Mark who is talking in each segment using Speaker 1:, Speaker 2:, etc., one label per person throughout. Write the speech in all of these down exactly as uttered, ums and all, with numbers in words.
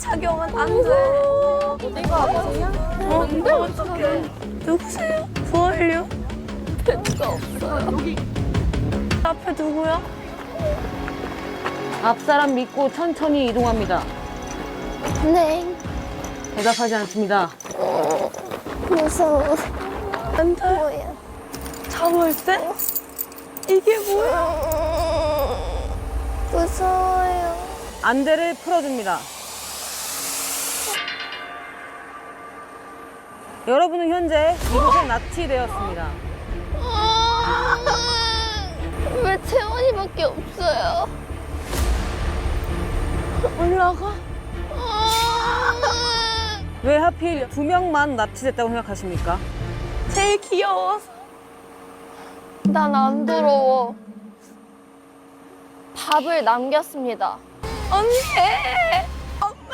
Speaker 1: 착용은 안 돼.
Speaker 2: 어디가 아프세요?
Speaker 1: 어, 근데 어떡해. 누구세요? 부활요? 누가 없어요. 여기. 앞에 누구야?
Speaker 3: 앞사람 믿고 천천히 이동합니다.
Speaker 2: 네.
Speaker 3: 대답하지 않습니다.
Speaker 2: 무서워.
Speaker 1: 안 돼.
Speaker 2: 뭐야?
Speaker 1: 자물쇠? 이게 뭐야?
Speaker 2: 무서워요.
Speaker 3: 안대를 풀어줍니다. 여러분은 현재 이곳에 납치되었습니다.
Speaker 2: 왜 채원이밖에 없어요?
Speaker 1: 올라가?
Speaker 3: 왜 하필 두 명만 납치됐다고 생각하십니까?
Speaker 1: 제일 귀여워서.
Speaker 2: 난 안 더러워. 밥을 남겼습니다.
Speaker 1: 언니! 엄마!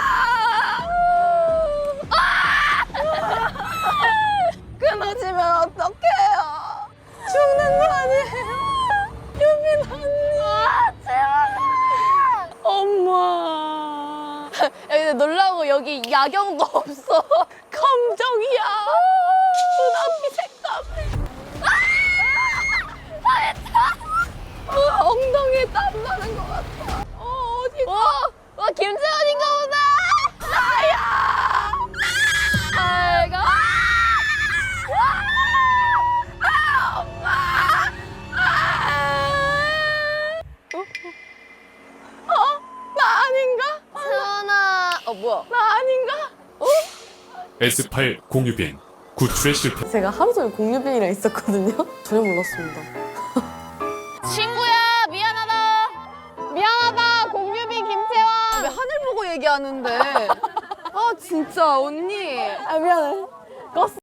Speaker 1: 끊어지면 어떡해요? 죽는 거 아니에요? 유민 언니!
Speaker 2: 아, 채원아!
Speaker 1: 엄마!
Speaker 2: 야, 근데 놀라고 여기 야경도 없어.
Speaker 1: 감정이야! 눈앞이 색감을! 아, 엉덩이에 땀 나는 것 같아. 어, 어디
Speaker 2: 와, 와 김채원인가 보다.
Speaker 1: 나야!
Speaker 2: 아이고.
Speaker 1: 아, 엄마! 아! 어? 어? 나 아닌가?
Speaker 2: 채원아. 어 뭐야?
Speaker 1: 나 아닌가?
Speaker 4: 에스 팔 공유빈 구출에 실패.
Speaker 5: 제가 하루 종일 공유빈이랑 있었거든요. 전혀 몰랐습니다.
Speaker 2: 친구야 미안하다. 미안하다 공유빈 김채원.
Speaker 1: 왜 하늘 보고 얘기하는데? 아, 진짜, 언니.
Speaker 5: 아 미안해. 껐어.